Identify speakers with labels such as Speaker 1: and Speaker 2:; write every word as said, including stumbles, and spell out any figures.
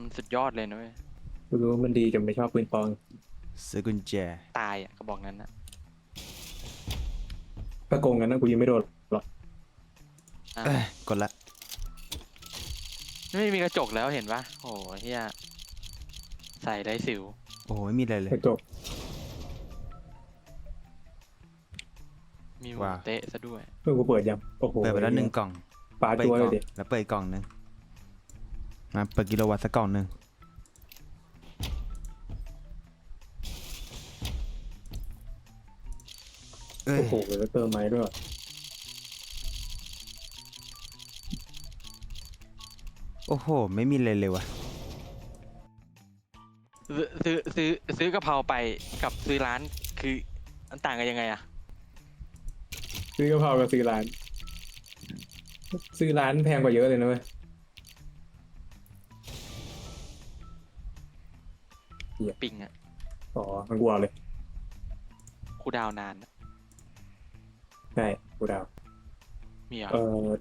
Speaker 1: สุดยอดเลยนะเว้ย
Speaker 2: กูรู้ว่ามันดีจนไม่ชอบปืนปอง
Speaker 3: ซื้อกุญแจ
Speaker 1: ตายอ่ะกระบอกนั้นนะ
Speaker 2: ถ้าโกงกันนะกูยังไม่โดนหรอก
Speaker 1: อ่ะ
Speaker 3: เอ้ยกดละ
Speaker 1: ไม่มีกระจกแล้วเห็นปะโอ้เฮียใส่ได้สิว
Speaker 3: โอ้โหไม่มีอะไรเลย
Speaker 2: กระจก
Speaker 1: มีหมู
Speaker 3: ว้าว
Speaker 1: เตะซะด้วย
Speaker 2: เพื่อกูเปิดยังโอ้โห
Speaker 3: เปิดไปแล้วหนึ่งกล่อง
Speaker 2: ปา
Speaker 3: เปิด
Speaker 2: จัว
Speaker 3: อีก
Speaker 2: เล
Speaker 3: กล่
Speaker 2: ย
Speaker 3: อง
Speaker 2: ดิ
Speaker 3: แล้วเปิดอีกกล่องหนึ่งมาเปิดกิโลวัตต์สักกล่องหนึ่งเอ้ย
Speaker 2: โอ้โหแล้วเติมไม้ด้วย
Speaker 3: โอ้โหไม่มีเลยเลยวะ
Speaker 1: ซื้อซื้อซื้อซื้อกะเพราไปกับซื้อร้านคือมันต่างกันยังไงอะ
Speaker 2: ซื้อกะเพรากับซื้อร้าน ซื้อร้านแพงกว่าเยอะเลยนะเว้ย
Speaker 1: ปิงอะ
Speaker 2: อ๋อมันกลัวเลย
Speaker 1: คูลดาวน์นานอะ
Speaker 2: ใช่กูเดา
Speaker 1: มีเหรอ
Speaker 2: เออ